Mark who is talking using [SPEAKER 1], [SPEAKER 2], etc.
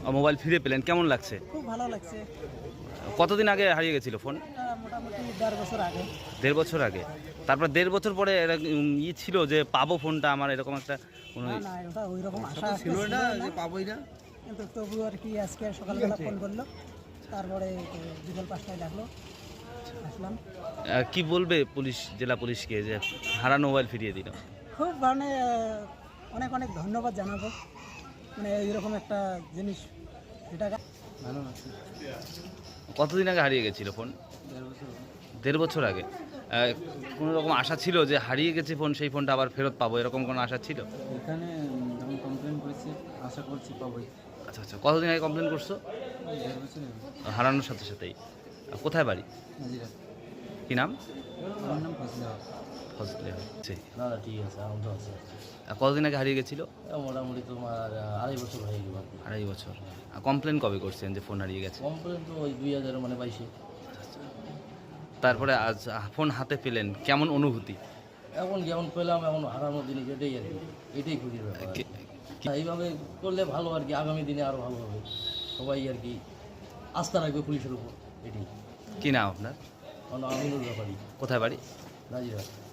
[SPEAKER 1] Mobile ফিরে পেলেন, কেমন লাগছে?
[SPEAKER 2] খুব ভালো লাগছে।
[SPEAKER 1] কতদিন আগে হারিয়ে গেছিল ফোন?
[SPEAKER 2] মোটামুটি 1.5 বছর আগে।
[SPEAKER 1] 1.5 বছর আগে। তারপর 1.5 বছর পরে ছিল যে পাবো ফোনটা, আমার এরকম একটা
[SPEAKER 2] না না, ওটা ওই রকম আশা
[SPEAKER 3] ছিল না যে পাবোই না,
[SPEAKER 2] কিন্তু তবু আর কি আজকে সকালবেলা ফোন করলো, তারপরে বিকেল 5টায় ডাকলো, আসলাম।
[SPEAKER 1] কি বলবে পুলিশ, জেলা পুলিশকে যে হারানো মোবাইল ফিরিয়ে দিল?
[SPEAKER 2] খুব মানে অনেক অনেক ধন্যবাদ জানাবো, মানে এইরকম একটা জিনিস যেটা
[SPEAKER 3] ভালো আছে।
[SPEAKER 1] কতদিন আগে হারিয়ে গেছিল ফোন? 1.5 বছর আগে। কোনো রকম আশা ছিল যে হারিয়ে গেছে ফোন, সেই ফোনটা আবার ফেরত পাবো, এরকম কোনো আশা ছিল?
[SPEAKER 3] এখানে যখন কমপ্লেন করেছি আশা করছি পাবোই।
[SPEAKER 1] আচ্ছা আচ্ছা, কতদিন আগে কমপ্লেন করছো?
[SPEAKER 3] 1.5 বছর
[SPEAKER 1] হারানোর সাথে সাথেই। কোথায় বাড়ি?
[SPEAKER 3] নাজিরা।
[SPEAKER 1] কি নাম?
[SPEAKER 3] আমার নাম ফজলে হক।
[SPEAKER 1] ফজলে হচ্ছে।
[SPEAKER 4] না না ঠিক আছে, আমার তো আছে।
[SPEAKER 1] কতদিন আগে হারিয়ে গেছিল?
[SPEAKER 4] মোটামুটি তোমার 2.5 বছর হয়ে গেল আর কি।
[SPEAKER 1] 2.5 বছর। কমপ্লেন কবে করছেন যে ফোন হারিয়ে গেছে?
[SPEAKER 4] কমপ্লেন তো ওই 2022-এ।
[SPEAKER 1] তারপরে আজ ফোন হাতে পেলেন, কেমন অনুভূতি?
[SPEAKER 4] এখন যেমন পেলাম, এখন হারানোর জিনিস এটাই আর কি, এটাই খুশির ব্যাপার। এইভাবে করলে ভালো আর কি, আগামী দিনে আরও ভালো হবে, সবাই আর কি আস্থা রাখবে পুলিশের উপর, এটাই।
[SPEAKER 1] কি নাম আপনার?
[SPEAKER 4] আমিনুর ব্যাপারই,
[SPEAKER 1] কোথায় বাড়ি?
[SPEAKER 4] নাজিরা।